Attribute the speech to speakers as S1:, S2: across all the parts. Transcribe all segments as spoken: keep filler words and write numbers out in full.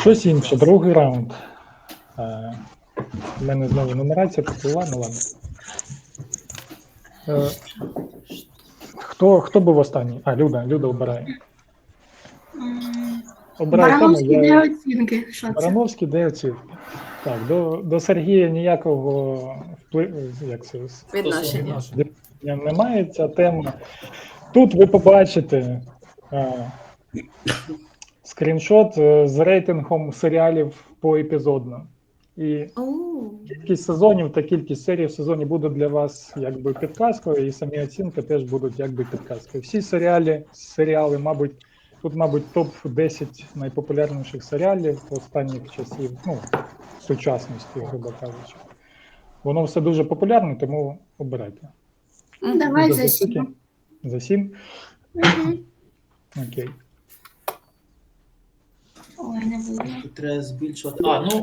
S1: Щось інше, другий раунд. У мене знову нумерація поплила, ну ладно. Е, Хто, хто був останній? А, Люда, Люда обирає. Обирає тему,
S2: Барановський
S1: я...
S2: де оцінки. Що це?
S1: Барановський де оцінки. Так, до, до Сергія ніякого впливу, як це,
S3: Відношення.
S1: немає ця тема. Тут ви побачите а, скріншот з рейтингом серіалів поепізодно. І кількість сезонів та кількість серій в сезоні буде для вас якби підказкою, і самі оцінки теж будуть якби підказкою. Всі серіали, серіали, мабуть, тут, мабуть, топ десять найпопулярніших серіалів останніх часів, ну, сучасності, грубо кажучи. Воно все дуже популярне, тому обирайте.
S2: Давай
S1: За
S2: за
S1: скільки?
S2: сім.
S1: За сім?
S2: Угу.
S1: Окей.
S2: Ой, не було.
S4: Тут треба збільшувати. А, ну,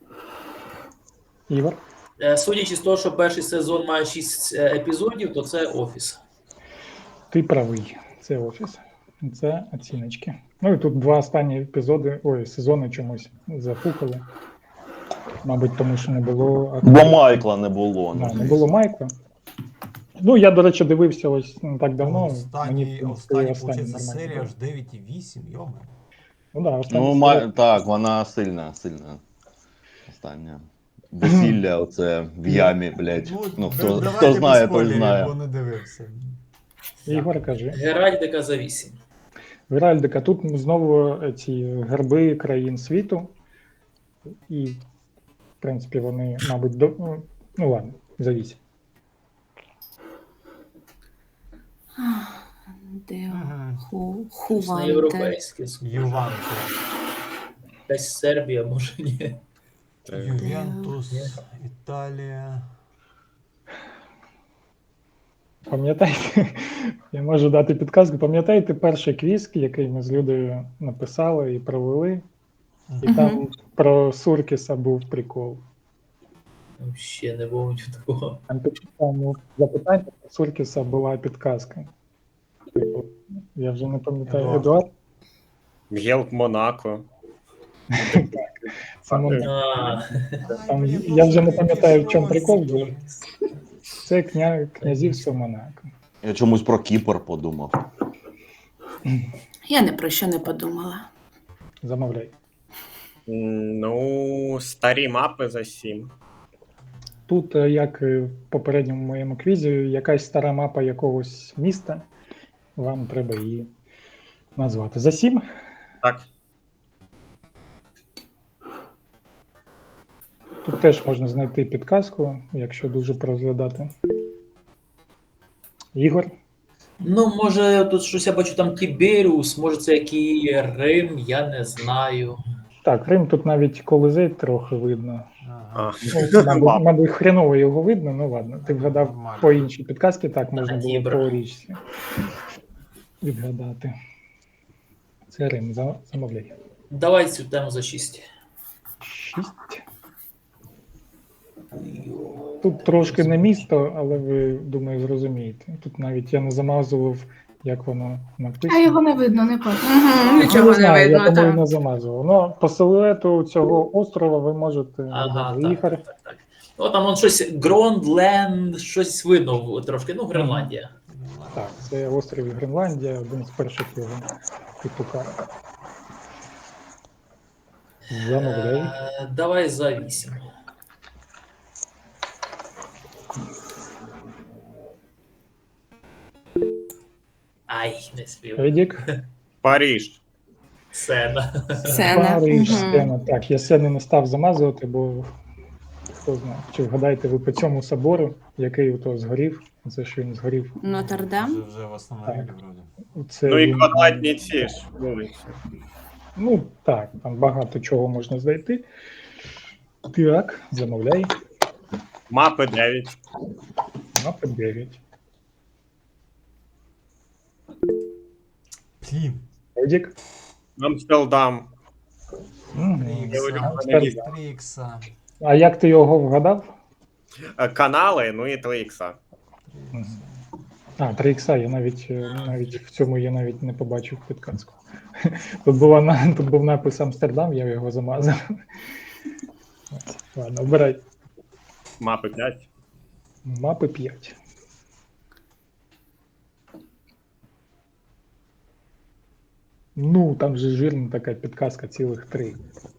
S1: Ігор?
S4: е, судячи з того, що перший сезон має шість е, епізодів, то це офіс.
S1: Ти правий. Це офіс. Це оціночки. Ну і тут два останні епізоди, ой, сезони чомусь запукали. Мабуть, тому що не було...
S5: Бо Майкла не було.
S1: Да, не було Майкла. Ну, я, до речі, дивився ось не так давно.
S6: Останній,
S1: Мені, в
S6: останній,
S1: принципі,
S6: останній
S1: нормально
S6: серія
S1: було.
S6: аж дев'ять і вісім, йома.
S1: Ну, да, останній
S5: Ну,
S1: серія.
S5: ма... так, вона сильна, сильна. Остання. Весілля оце в ямі, блядь. Ну, хто,
S6: давайте
S5: хто
S6: без
S5: знає, той
S6: спойлерів,
S5: знає.
S6: бо не дивився.
S1: Ігор, кажи.
S4: Геральдика за вісім.
S1: Геральдика, тут знову ці герби країн світу. І, в принципі, вони, мабуть, до... ну, ну ладно, за вісім.
S3: Де
S6: Ага.
S3: ху,
S4: Щось на
S3: Хуванте.
S4: європейське.
S6: Юванте.
S4: Десь Сербія, може ні.
S6: Ювентус, Італія.
S1: Пам'ятаєте, я можу дати підказку, пам'ятаєте перший квіз, який ми з Людою написали і провели? І
S3: Мгм.
S1: там про Суркіса був прикол.
S4: Ну, ще не було такого.
S1: Там під там запитання про Суркіса була підказка. Типу, я вже не пам'ятаю,
S6: Едуард.
S1: Едуард?
S7: Гелк Монако.
S1: Це Мон-
S4: А,
S1: там, я вже не пам'ятаю, в чому прикол був. Це кня... князівство Монако.
S5: Я чомусь про Кіпр подумав.
S3: Я ні про що не подумала.
S1: Замовляй.
S7: М, Ну, старі мапи за сім.
S1: Тут, е, як і в попередньому моєму квізі, якась стара мапа якогось міста. Вам треба її назвати. За сім?
S7: Так.
S1: Тут теж можна знайти підказку, якщо дуже порозглядати. Ігор?
S4: ну, може, тут щось я бачу там Тіберіус, може це який Рим, я не знаю.
S1: Так, Рим тут навіть Колизей трохи видно.
S6: Ага.
S7: А.
S1: Ну, мабуть, мабуть, хреново його видно, ну ладно. Ти вгадав
S6: Нормально.
S1: по іншій підказці, так можна було
S4: Дібра.
S1: по річці відгадати. Це Рим, за- замовляй.
S4: Давай цю тему за шість.
S1: Шість. Тут трошки не місто, але ви, думаю, зрозумієте. Тут навіть я не замазував, як воно
S2: А
S1: написано.
S2: його не видно, не пахне.
S3: Угу,
S1: Ну,
S3: нічого не
S1: знаю, я
S3: видно,
S1: тому і
S3: так.
S1: не замазував. Ну, по силуету цього острова ви можете
S4: Ага,
S1: вгадати.
S4: так,
S1: Ігор.
S4: так, так, так. Ну, там он щось Грондленд, щось видно трошки, ну, Гренландія.
S1: Так, це острів Гренландія, один з перших його типу карт. Замовляй.
S4: Е, Давай за вісім. Ай, не спів.
S1: Едік.
S7: Паріж.
S4: Сена.
S3: Сцена.
S1: Париж,
S3: Мгм.
S1: сцена. Так, я сцени не став замазувати, бо хто знає, чи вгадаєте ви по цьому собору, який ото згорів, це що він згорів.
S3: Нотр-Дам.
S6: Вже, вже восстановили вроді.
S1: Це
S7: Ну і
S1: він-
S7: квадратні ці ж вулиці.
S1: Ну так, там багато чого можна знайти. Так, замовляй.
S7: Мапи дев'ять.
S1: Мапа дев'ять.
S6: Блін.
S1: Едік.
S7: Амстердам.
S1: Угу.
S6: Трікса. Трікса.
S1: А як ти його вгадав?
S7: Е, Канали, ну і три ікса.
S1: Мгм. А, три ікса, я навіть, е, навіть в цьому я навіть не побачив підказку. Тут, була, на- тут був напис Амстердам, я його замазав. Ладно, обирай.
S7: Мапи п'ять.
S1: Мапи п'ять. Ну, там же жирна така підказка, цілих три.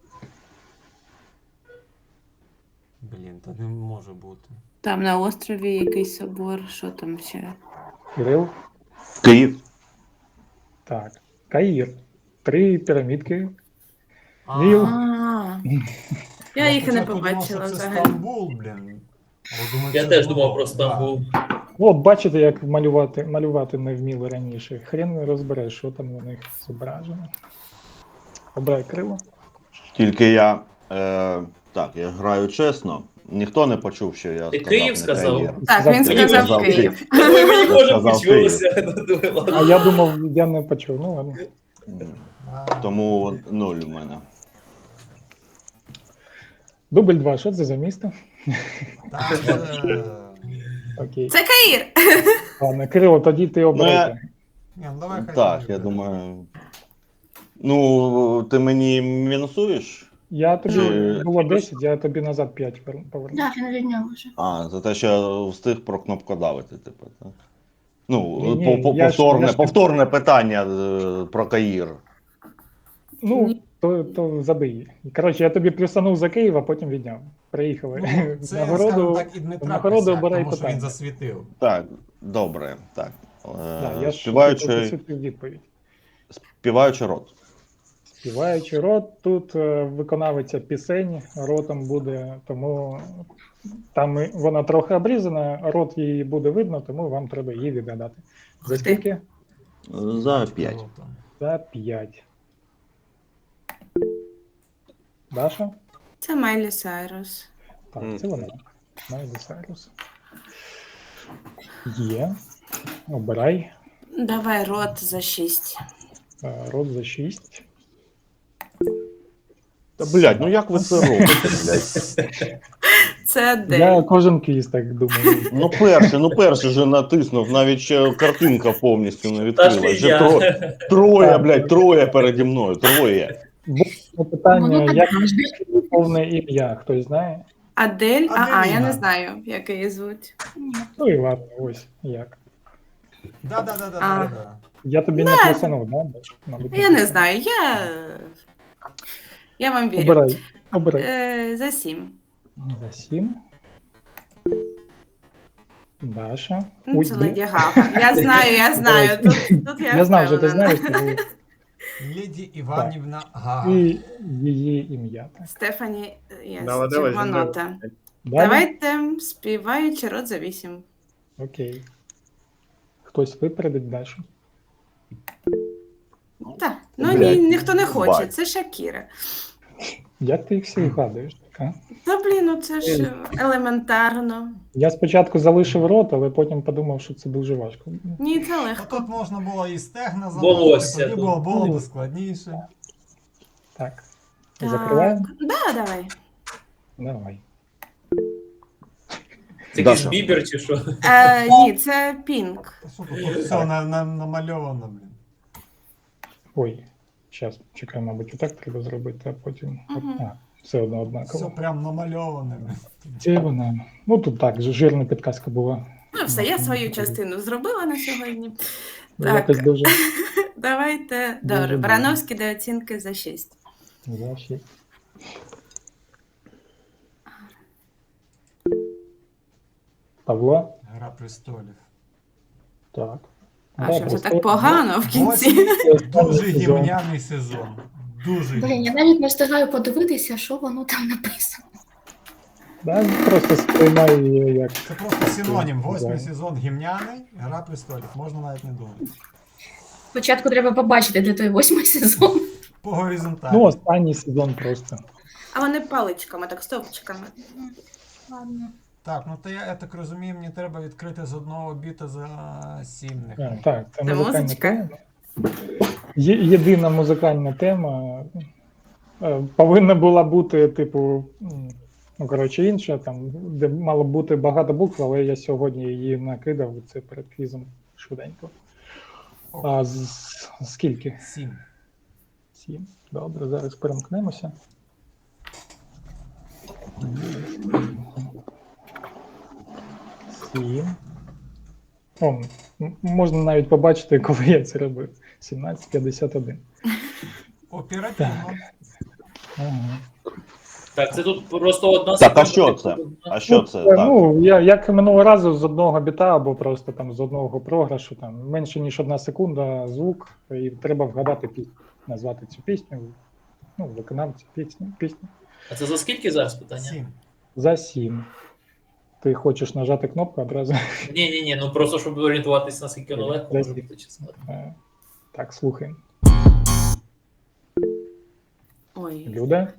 S6: Блін, та не може бути.
S3: Там на острові якийсь собор, що там ще?
S1: Кирил?
S5: Київ.
S1: Так. Каїр. Три пірамідки.
S6: А,
S1: Віл.
S3: А, я їх і не
S6: спочатку думав,
S3: побачила
S6: що це
S3: взагалі.
S6: Стамбул, блін. Але думаю,
S4: Я
S6: це
S4: теж
S6: було.
S4: думав про
S6: Да.
S4: Стамбул.
S1: От, бачите, як малювати, малювати не вміли раніше. Хрен не розбереш, що там у них зображено. Обирай крило.
S5: Тільки я. Е, так, я граю чесно. Ніхто не почув, що я
S4: Ти
S5: сказав.
S4: Київ
S5: не
S4: сказав?
S5: Каїр.
S3: Так, він
S1: Сказав
S3: сказав
S5: Київ.
S3: Київ.
S4: Ой, мені
S5: Я
S4: може
S5: сказав
S4: почулося. Ну,
S1: А я думав, я не почув. Ну ладно.
S6: А,
S5: Тому нуль у мене.
S1: Дубль два. Що це за місто?
S6: та це...
S1: Окей.
S3: Це Каїр!
S1: Ладно, Кирило, тоді ти обирай.
S6: Ні, ну давай хай
S5: Так,
S6: буде.
S5: я думаю. Ну, ти мені мінусуєш?
S1: Я тобі
S5: Чи-
S1: було десять, я тобі назад п'ять поверну.
S2: Так, він відняв вже.
S5: А, за те, що я встиг про кнопкодавити, типу, так? Ну,
S1: Ні, ні,
S5: по- по-
S1: я ж-
S5: повторне,
S1: я ж-
S5: повторне питання е, про Каїр.
S1: Ну, то, то забий. Коротше, я тобі плюсанув за Київ, а потім відняв. Приїхали.
S6: Ну, це,
S1: Нагороду,
S6: скажімо так, і Дмитра
S1: нагороду
S6: Косяк,
S1: обирай
S6: тому що він
S1: питання.
S6: засвітив.
S5: Так, добре, так. Е,
S1: Да, я ж
S5: співаючий,
S1: підсвітив відповідь.
S5: співаючий рот.
S1: Співаючий рот, тут е, виконавиця пісень, ротом буде, тому там і- вона трохи обрізана, рот її буде видно, тому вам треба її відгадати. За
S3: Ух ти.
S1: скільки?
S5: За п'ять.
S6: Круто.
S1: За п'ять. Даша?
S3: Це Майлі Сайрус.
S1: Так,
S7: Мгм.
S1: це вона. Майли Сайрус. Є. Обирай.
S3: Давай рот за шість.
S1: Е, Рот за шість.
S5: Та, блядь, ну як ви це робите, блядь?
S3: Це
S1: Я
S3: Адель.
S1: кожен квіз так думаю.
S5: Ну перше, ну перше вже натиснув, навіть ще картинка повністю не
S4: Та ж
S5: відкрила.
S4: не
S5: Вже
S4: я.
S5: троє, троє,
S1: Так.
S5: блядь, троє переді мною, троє.
S1: Було питання,
S2: Воно
S1: як
S2: так завжди.
S1: повне ім'я, хтось знає?
S3: Адель? А, а, я
S6: Аделіна.
S3: не знаю, як її звуть.
S1: Ну і ладно, ось як.
S6: Да, да, да, да,
S3: А.
S6: да, да.
S1: Я тобі не плюсанув, да? Мабуть,
S3: Я не знаю, я. Я вам вірю.
S1: Обирай. Обирай.
S3: Е, за сім.
S1: За сім. Даша.
S3: Ну,
S1: Ой,
S3: це
S1: блін.
S3: Леді Гага. Я знаю, я знаю. Тут, тут я
S1: Я знав, що ти
S3: впевнена.
S1: знаєш, тому
S6: Леді Іванівна Гага.
S1: і її ім'я. Так.
S3: Стефані є
S7: Давай, давай,
S3: червонота.
S7: давай.
S1: Далі?
S3: Давайте співаючи рот за вісім.
S1: Окей. Хтось випередить Дашу.
S3: Так, ну
S5: Блядь,
S3: ні, ніхто не хоче,
S5: бать.
S3: це Шакіра.
S1: Як ти їх всі вгадуєш? Так, а?
S3: Та блін, ну це ж елементарно.
S1: Я спочатку залишив рот, але потім подумав, що це дуже важко.
S3: Ні, це
S6: Ну,
S3: легко.
S6: тут можна було і стегна
S4: Волосся
S6: залишити, тоді
S4: тут.
S6: було, було б складніше.
S1: Так.
S3: Так.
S1: Закриваємо?
S3: Да, давай.
S1: Давай.
S4: Це якийсь
S5: Даша.
S4: бібер чи що?
S3: Е, ні, це Пінк.
S6: Та що тут все на, на, намальовано, блін.
S1: Ой, зараз, чекай, мабуть, отак треба зробити, а потім.
S3: Мгм.
S1: А, все одно
S6: Все
S1: однаково.
S6: прям намальоване, блін.
S1: Де вона? Ну тут так, жирна підказка була.
S3: Ну все, я свою частину зробила на сьогодні.
S1: Ну,
S3: Так.
S1: Якось дуже
S3: Давайте.
S1: Дуже
S3: Добре,
S1: добре.
S3: Барановський до оцінки за шість.
S1: за шість. Павло?
S6: Гра престолів.
S1: Так.
S3: А
S1: Да,
S3: що це
S1: просто-
S3: так погано в кінці?
S1: Це останній
S6: Дуже
S1: сезон.
S6: гімняний сезон. Дуже
S2: Блін, я
S6: гімняний.
S2: навіть не встигаю подивитися, що воно там написано.
S1: Да, просто сприймай її як.
S6: Це просто синонім. Восьмий
S1: Да.
S6: сезон гімняний, гра престолів. Можна навіть не думати.
S2: Спочатку треба побачити, де той восьмий сезон.
S6: По горизонталі.
S1: Ну, останній сезон просто.
S3: А вони паличками, так стовпчиками.
S2: Ладно.
S6: Так, ну то я, я так розумію, мені треба відкрити з одного біта за сім.
S1: А,
S6: нехай.
S1: так, це
S3: Це
S1: музикальна
S3: музичка?
S1: тема. Є, єдина музикальна тема. Е, Повинна була бути, типу, м, ну, коротше, інша, там, де мало бути багато букв, але я сьогодні її накидав це перед квізом, швиденько. А з, скільки?
S6: Сім.
S1: Сім. Добре, зараз перемкнемося. Сім. О, м- можна навіть побачити, коли я це робив. сімнадцять п'ятдесят один.
S6: Оперативно.
S1: Ага.
S4: Так, це тут просто одна
S5: Так, а
S4: секунда.
S5: що це? А що це?
S1: Е,
S5: Так.
S1: Ну, я, як і минулого разу, з одного біта або просто там з одного програшу, там менше ніж одна секунда звук, і треба вгадати пісню, назвати цю пісню, ну, виконавця пісні, пісню.
S4: А це за скільки зараз питання?
S6: Сім.
S1: За сім. Ти хочеш нажати кнопку одразу?
S4: Ні, ні, ні, ну просто щоб орієнтуватися, наскільки воно легко може бути чесно.
S1: Е, Так, слухаємо.
S3: Ой.
S1: Люда?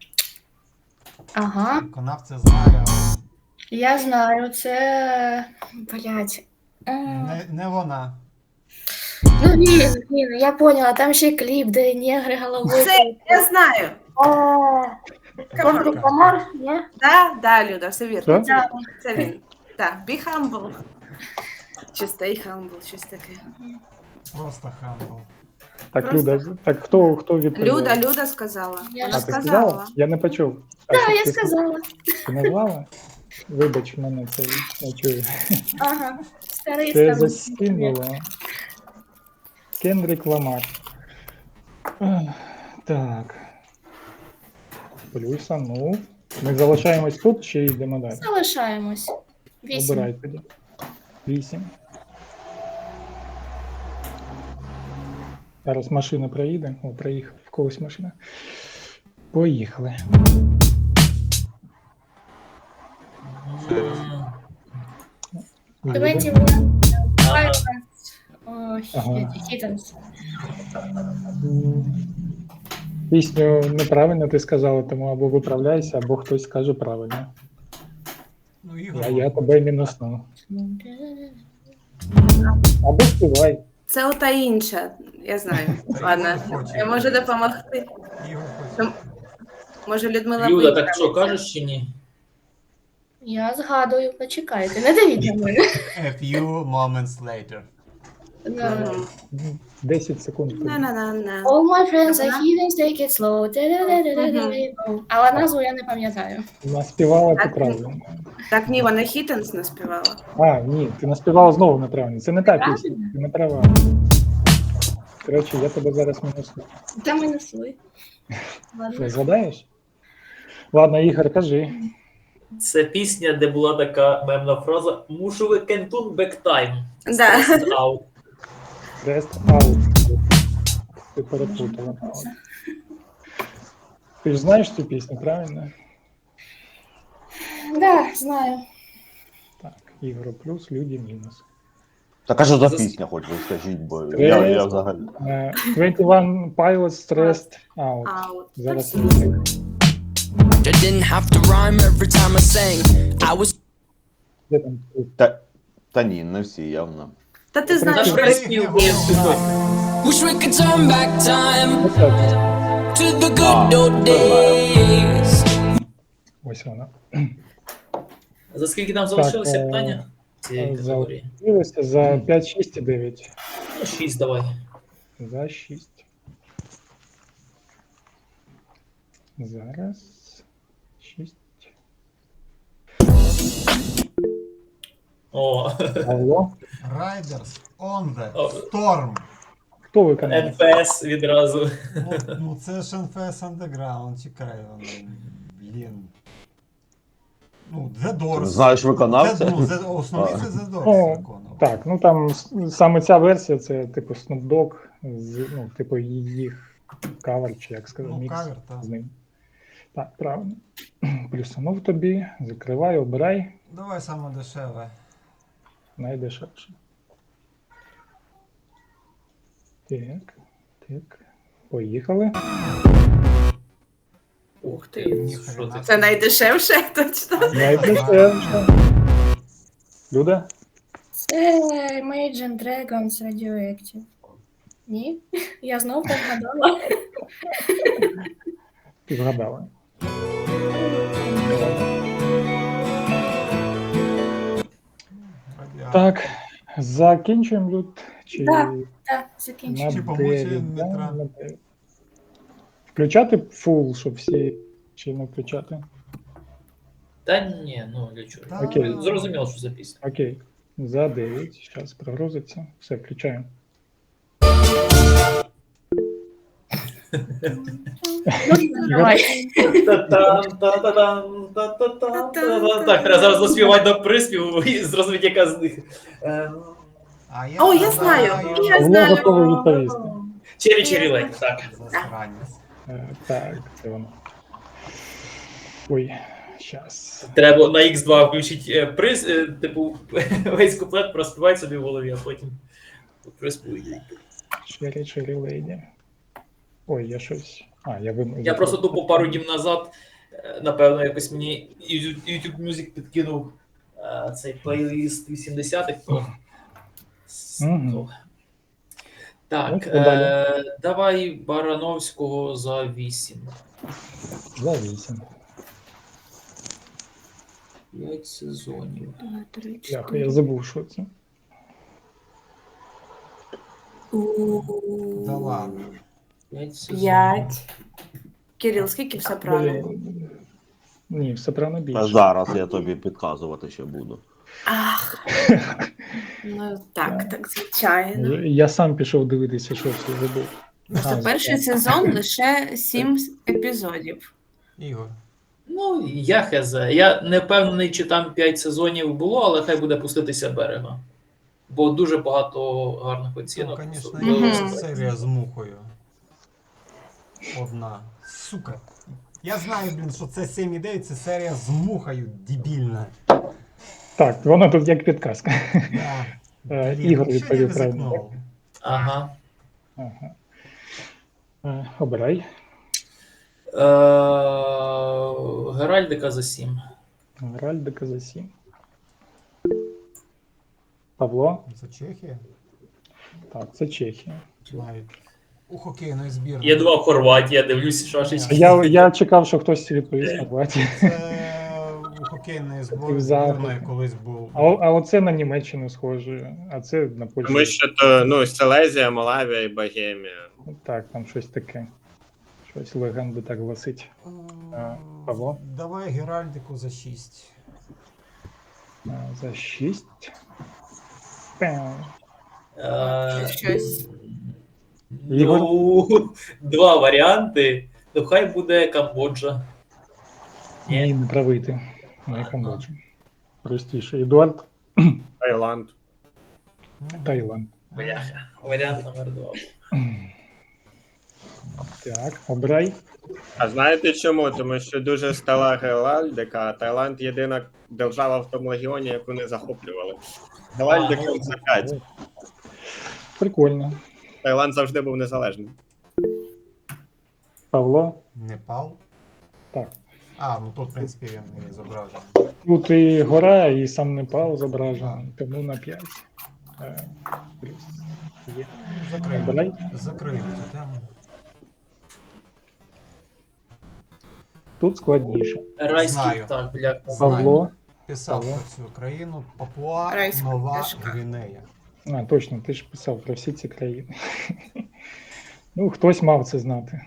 S2: Ага,
S6: Виконавця знає, але
S2: я знаю, це. Блять.
S6: не, не вона.
S2: Ну ні, ні, ну я поняла, там ще кліп, де негри головою.
S3: Це я знаю.
S2: Контрик Ламар, ні?
S3: Да, да, Люда, все вірно.
S1: Що?
S3: Це, це він. Так, be humble. Чи stay humble, щось таке.
S6: Просто хамбл.
S1: Так,
S3: Просто-
S1: Люда, так хто, хто відповів?
S3: Люда, Люда сказала.
S2: Я
S3: Вона
S1: А, ти
S3: сказала.
S1: сказала? Я не почув. А,
S2: Так,
S1: що
S2: я
S1: ти
S2: сказала.
S1: Ти назвала? Вибач, мене це не чую.
S2: Ага, старий
S1: Це
S2: старий.
S1: заскинуло. Кендрік Ламар. Ах, Так. Плюса, ну. Ми залишаємось тут чи йдемо далі?
S2: Залишаємось. Вісім.
S1: Обирай тоді. Вісім. Зараз машина проїде. О, проїхав. В когось машина. Поїхали.
S4: М,
S2: Давайте
S1: Люда.
S4: ага.
S2: О,
S1: Ага.
S2: хітенс.
S1: М, Пісню неправильно ти сказала, тому або виправляйся, або хтось скаже правильно.
S6: Ну, Ігор.
S1: Я, я тебе мінусну. Або співай.
S3: Це ота інша, я знаю.
S6: Та
S3: Ладно,
S6: Ігор хоче.
S3: я можу допомогти.
S6: Ігор хоче.
S3: Може, Людмила
S4: Люда,
S3: виграє.
S4: так що, кажеш чи ні?
S2: Я згадую, почекайте, не дивіть на мене.
S6: A few moments later.
S2: Да.
S3: Мгм.
S1: десять секунд.
S3: На-на-на-на.
S2: All my friends are heathens, take it slow. Та-да-да-да-да-да-да. Але назву я не пам'ятаю.
S1: Наспівала ти
S3: Так,
S1: правильно.
S3: Так, ні, вона Хіттенс наспівала.
S1: А, ні, ти наспівала знову неправильно. Це не та
S2: Правильно?
S1: пісня, ти не права. Коротше, я тебе зараз мінусну.
S2: Там і несли.
S1: Що,
S2: Ладно.
S1: згадаєш? Ладно, Ігор, кажи.
S4: Це пісня, де була така мемна фраза «Мушу ви кентун бектайм».
S3: Да.
S4: Out.
S1: Rest out. Ти перепутала. Ти ж знаєш цю пісню, правильно?
S2: Да, знаю.
S1: Так, Ігор плюс, Люді мінус.
S5: Так а що за
S4: Зас-
S5: пісня, хоч ви скажіть, бо я, я взагалі.
S1: Е, двадцять один Pilots Stressed Out.
S3: Аут.
S1: Зараз
S3: Так,
S1: слухай.
S8: I didn't have to rhyme every time I sang. I was
S1: Де там?
S5: Та, та ні, не всі, явно.
S3: Та ти знаєш,
S4: Наш
S3: що
S4: приспів був сьогодні.
S8: wish we could turn back time
S1: Ось так.
S8: to the good old days.
S1: Ось вона.
S4: За скільки там залишилося
S1: е,
S4: питання? Цієї категорії.
S1: Залишилося за п'ять, шість і дев'ять.
S4: Ну, шість давай.
S1: За шість. Зараз. шість.
S4: О,
S1: Алло.
S6: Riders on the
S4: О.
S6: Storm.
S1: Хто виконає?
S4: ен пі ес відразу.
S6: Ну, ну це ж ен еф ес Underground, чекай. воно, Блін. Ну, The Doors.
S5: Знаєш виконавця?
S6: Це, ну, The- основний це The Doors
S1: О,
S6: виконував.
S1: Так, ну там с- саме ця версія, це типу Snoop Dogg, з, ну, типу їх кавер, чи як сказати,
S6: Ну,
S1: мікс
S6: кавер, так.
S1: з ним. Так, правильно. Плюсанув тобі, закривай, обирай,
S6: Давай саме дешеве.
S1: найдешевше. Так, так. Поїхали.
S4: Ух ти,
S6: Ніхрена.
S4: що ти?
S3: це найдешевше, точно.
S1: Найдешевше. Люда?
S2: Це Imagine Dragons Radioactive. Ні? Я знов так гадала.
S1: Ти вгадала.
S6: Радіа-
S1: Так, Закінчуємо лют? Чи
S2: Да. Так,
S1: на
S2: закінчуємо.
S6: Чи помочі
S1: дев'ять, да?
S6: Дмитра?
S1: На дев'ять. Включати фул, щоб всі, чи не включати?
S4: Та ні, ну для чого.
S6: Та-
S1: Окей.
S4: Зрозуміло, що за пісня.
S1: Окей. За дев'ять. Зараз прогрузиться. Все, включаємо.
S2: Ну, давай.
S4: Та-там, та-та-там, та-та-там, та-та-там. Так, треба зараз заспівати до приспіву і зрозуміти, яка з них. Е,
S6: А я
S3: О, я знаю, я
S1: Павло
S3: знаю.
S1: готовий відповісти.
S4: Черрі Черрі Лейн, так.
S6: Засранець.
S1: Е, Так, це воно. Ой, зараз.
S4: Треба на ікс два включити е, приз, е, типу, весь куплет проспівати собі в голові, а потім приспівати.
S1: Черрі Черрі Леді. Ой, я щось. А, я вим...
S4: Я просто тупо пару днів назад, е, напевно, якось мені YouTube Music підкинув е, цей плейліст вісімдесятих. то-
S1: Мгм.
S4: то- Так,
S1: Ну, що далі?
S4: е, давай Барановського за вісім.
S1: За вісім.
S4: П'ять сезонів.
S2: Два, три,
S1: Я,
S2: чотири.
S1: я забув, що це.
S6: Да ладно.
S4: П'ять сезонів.
S3: П'ять. Кирил, скільки все правильно?
S1: Блін. Ні, все правильно
S5: Та
S1: більше.
S5: зараз я тобі підказувати ще буду.
S3: Ах. Ну так, так, звичайно.
S1: Я, я сам пішов дивитися, що це забув.
S3: Просто
S1: А,
S3: перший
S1: так.
S3: сезон лише сім епізодів.
S6: Ігор.
S4: Ну, я хз. Я не впевнений, чи там п'ять сезонів було, але хай буде пуститися берега. Бо дуже багато гарних
S6: Ну,
S4: оцінок.
S6: звісно,
S4: особливо
S6: є
S3: Мгм.
S4: з-
S6: серія з мухою. Одна. Сука. Я знаю, блін, що це сім і дев'ять, це серія з мухою дебільна.
S1: Так, воно тут як підказка.
S6: Да.
S1: Е,
S6: Блін,
S1: Ігор
S6: що я
S1: відповів
S6: ризикнув?
S4: Ага.
S1: Ага. Е, Обирай.
S4: Е, Геральдика за сім.
S1: Геральдика за сім. Павло?
S6: Це Чехія?
S1: Так, це Чехія.
S6: Навіть. У хокейної збірної.
S4: Я думав, Хорватія, дивлюсь, шашечки.
S1: Я, я чекав, що хтось відповість Хорватії.
S6: Це у хокейної збор-
S1: Заходи.
S6: збірної колись був.
S1: А, а оце на Німеччину схоже, а це на Польщу.
S7: Тому що то, ну, Силезія, Малавія і Богемія.
S1: Так, там щось таке. Щось легенди так гласить. А, Павло?
S6: Давай Геральдику за шість.
S1: А, За шість. Пем.
S4: Е,
S3: Щось.
S4: Ну, два варіанти. Ну, хай буде Камбоджа.
S1: Ні, не правий ти. Не Камбоджа. Простіше. Едуард,
S7: Таїланд.
S1: Таїланд.
S4: Бляха. Варіант номер два.
S1: Так, обирай.
S7: А знаєте чому? Тому що дуже стала Геральдика, а Таїланд єдина держава в тому регіоні, яку не захоплювали. Геральдика за п'ять.
S1: Прикольно.
S7: Таїланд завжди був незалежним.
S1: Павло?
S6: Непал.
S1: Так.
S6: А, ну тут, в принципі, він і зображений.
S1: Тут і гора, і сам Непал зображений, тому на п'ять. Е, плюс. Є.
S6: Закриємо.
S1: Обирай.
S6: Закриємо цю тему.
S1: Тут складніше.
S4: Райський,
S6: Знаю.
S4: так, бляха.
S1: Павло.
S6: Писав
S1: Павло.
S6: про цю країну Папуа
S3: Райська
S6: Нова
S3: пташка.
S6: Гвінея.
S1: А, точно, ти ж писав про всі ці країни. Ну, хтось мав це знати.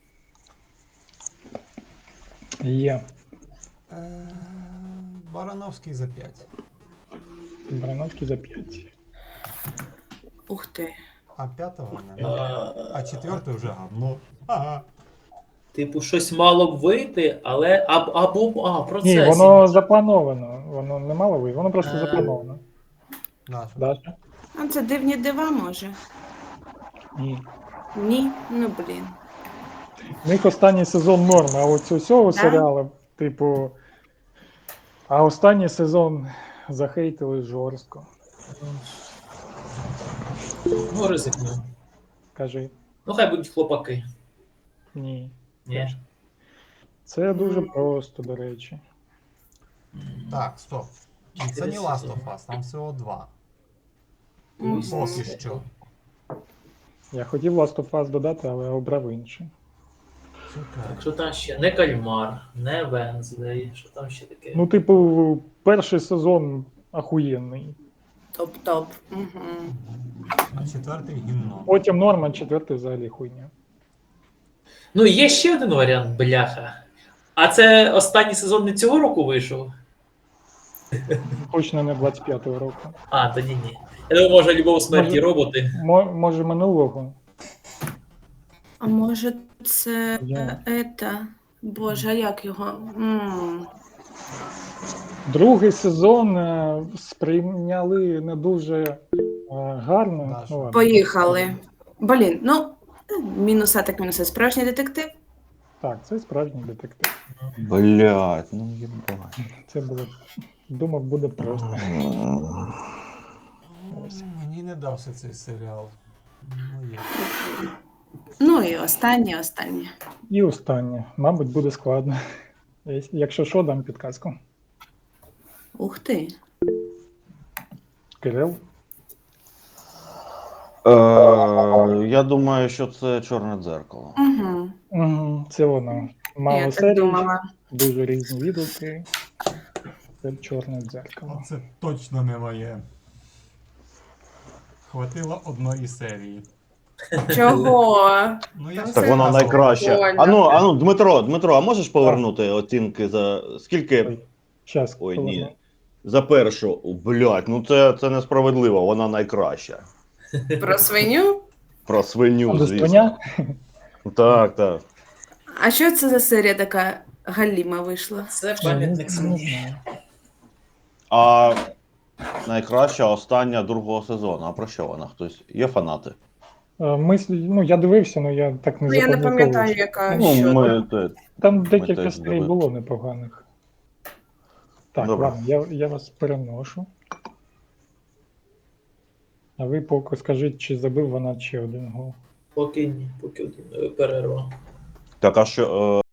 S1: Є.
S6: Е, Барановський за п'ять.
S1: Барановський за п'ять.
S3: Ух ти.
S6: А п'ятого
S4: Е,
S6: не. А четвертий вже гавно. Ага.
S4: Типу, щось мало б вийти, але або, або а, в процесі.
S1: Ні, воно заплановано. Воно не мало вийти, воно просто
S4: Е.
S1: заплановано.
S6: Наша.
S1: Даша?
S3: А це дивні дива, може?
S1: Ні.
S3: Ні? Ну блін.
S1: У них останній сезон норм, а от цього всього
S3: Да?
S1: серіалу, типу. А останній сезон захейтили жорстко.
S4: Ну, ризикну.
S1: Кажи,
S4: Ну, хай будуть хлопаки.
S1: ні.
S4: Ні.
S1: Це дуже просто, до речі.
S6: Так, стоп. І це не Last of Us, там всього два.
S3: Мгм.
S6: Поки що.
S1: Я хотів Last of Us додати, але обрав інше.
S6: Сука.
S4: Що там ще? Не Кальмар, не Венздей, що там ще таке?
S1: Ну, типу, перший сезон ахуєнний.
S3: Топ-топ. Угу.
S6: А четвертий гімно.
S1: Потім норма, четвертий взагалі хуйня.
S4: Ну, є ще один варіант, бляха. А це останній сезон не цього року вийшов?
S1: Точно не двадцять п'ятого року.
S4: А, тоді ні. Я думаю, може, любов смерті
S1: Може-
S4: роботи.
S1: Мо- Може минулого.
S3: А може це
S1: Я.
S3: е, ета? Боже, а як його? М.
S1: Другий сезон е, сприйняли не дуже е, гарно.
S6: Даша.
S1: Ну, ладно.
S3: Поїхали. Блін, ну, мінуса так мінуса. Справжній детектив?
S1: Так, це справжній детектив.
S5: Блять, ну єбать.
S1: Це було. Думав, буде просто. Ось.
S6: Мені не дався цей серіал. Ну, є.
S3: Ну і останнє, останнє.
S1: І останнє. Мабуть, буде складно. Якщо що, дам підказку.
S3: Ух ти.
S1: Кирил.
S5: Е, я думаю, що це чорне дзеркало.
S3: Угу.
S1: Угу, це воно. Мало
S3: Я так
S1: серій,
S3: думала.
S1: дуже різні відгуки. Це чорне дзеркало.
S6: Оце точно не моє. Хватило одної серії.
S3: Чого?
S6: Ну, я
S3: Так
S6: ж
S5: Так вона
S6: казав.
S5: найкраща.
S3: Прикольно.
S5: Ану, ану, Дмитро, Дмитро, а можеш повернути оцінки за скільки?
S1: Щас,
S5: Ой,
S1: хвилину.
S5: ні. За першу. Блять, ну це, це несправедливо, вона найкраща.
S3: Про свиню?
S5: Про свиню,
S1: До
S5: звісно.
S1: свиня?
S5: Так, так.
S3: А що це за серія така галіма вийшла?
S4: Це
S1: Не,
S4: пам'ятник
S1: не
S4: свині.
S1: знаю.
S5: А найкраща остання другого сезону. А про що вона? Хтось? Є фанати?
S1: Е, Мислі, ну я дивився, але я так не
S3: Ну, я не
S1: запам'ятовую.
S3: пам'ятаю, яка
S5: Ну,
S3: що.
S5: ми, те,
S1: Там декілька
S5: теж
S1: серій
S5: дивились.
S1: було непоганих. Так,
S5: Добре.
S1: ладно, я, я вас переношу. А ви поки скажіть, чи забив вона ще один гол.
S4: Поки ні, поки один. Е, перерва.
S5: так, а що, е,